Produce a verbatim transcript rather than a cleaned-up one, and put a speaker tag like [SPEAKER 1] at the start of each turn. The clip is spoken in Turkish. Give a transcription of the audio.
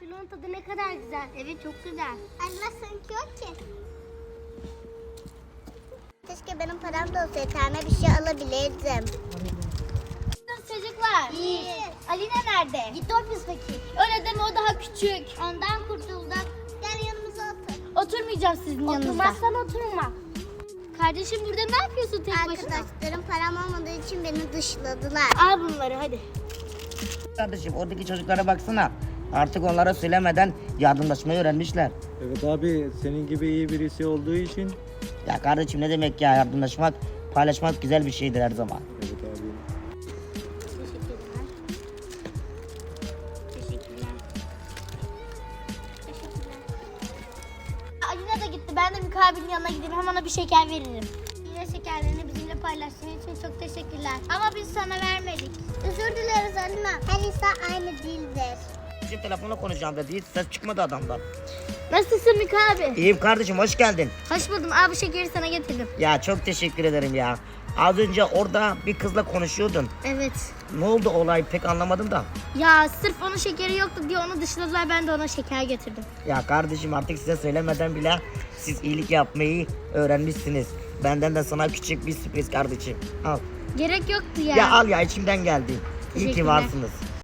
[SPEAKER 1] Şunun tadı ne kadar güzel. Evet çok güzel.
[SPEAKER 2] Anne sanki yok ki. Keşke benim param da olsaydı. Tane bir şey alabilirdim.
[SPEAKER 1] Nasıl çocuklar?
[SPEAKER 2] İyi.
[SPEAKER 1] Alina nerede?
[SPEAKER 2] Gitti ofisteki.
[SPEAKER 1] Öyle deme, o daha küçük.
[SPEAKER 2] Ondan kurtulduk. Gel yanımıza otur.
[SPEAKER 1] Oturmayacağım sizin yanınızda.
[SPEAKER 2] Oturmazsan oturma.
[SPEAKER 1] Kardeşim burada ne yapıyorsun tek başına?
[SPEAKER 2] Arkadaşlarım param olmadığı için beni dışladılar.
[SPEAKER 1] Al bunları hadi.
[SPEAKER 3] Kardeşim oradaki çocuklara baksana. Artık onlara söylemeden yardımlaşmayı öğrenmişler.
[SPEAKER 4] Evet abi, senin gibi iyi birisi olduğu için.
[SPEAKER 3] Ya kardeşim ne demek ya, yardımlaşmak, paylaşmak güzel bir şeydir her zaman.
[SPEAKER 4] Evet abi.
[SPEAKER 1] Teşekkürler. Teşekkürler. Teşekkürler. Alina da gitti. Ben de mukabilin yanına gideyim. Hem ona bir şeker veririm. Yine şekerlerini bizimle paylaştığın için çok teşekkürler. Ama biz sana vermedik.
[SPEAKER 2] Özür dileriz Alina. Her insan aynı değildir.
[SPEAKER 3] Şimdi telefonla konuşacağım dedi, hiç ses çıkmadı adamdan.
[SPEAKER 1] Nasılsın Mika abi?
[SPEAKER 3] İyiyim kardeşim, hoş geldin.
[SPEAKER 1] Hoş buldum. Abi bu şekeri sana getirdim.
[SPEAKER 3] Ya çok teşekkür ederim ya. Az önce orada bir kızla konuşuyordun.
[SPEAKER 1] Evet.
[SPEAKER 3] Ne oldu olay, pek anlamadım da.
[SPEAKER 1] Ya sırf onun şekeri yoktu diye onu dışladılar. Ben de ona şeker getirdim.
[SPEAKER 3] Ya kardeşim artık size söylemeden bile siz iyilik yapmayı öğrenmişsiniz. Benden de sana küçük bir sürpriz kardeşim. Al.
[SPEAKER 1] Gerek yoktu ya.
[SPEAKER 3] Ya al ya, içimden geldi. İyi ki
[SPEAKER 1] Teşekkürler.
[SPEAKER 3] varsınız.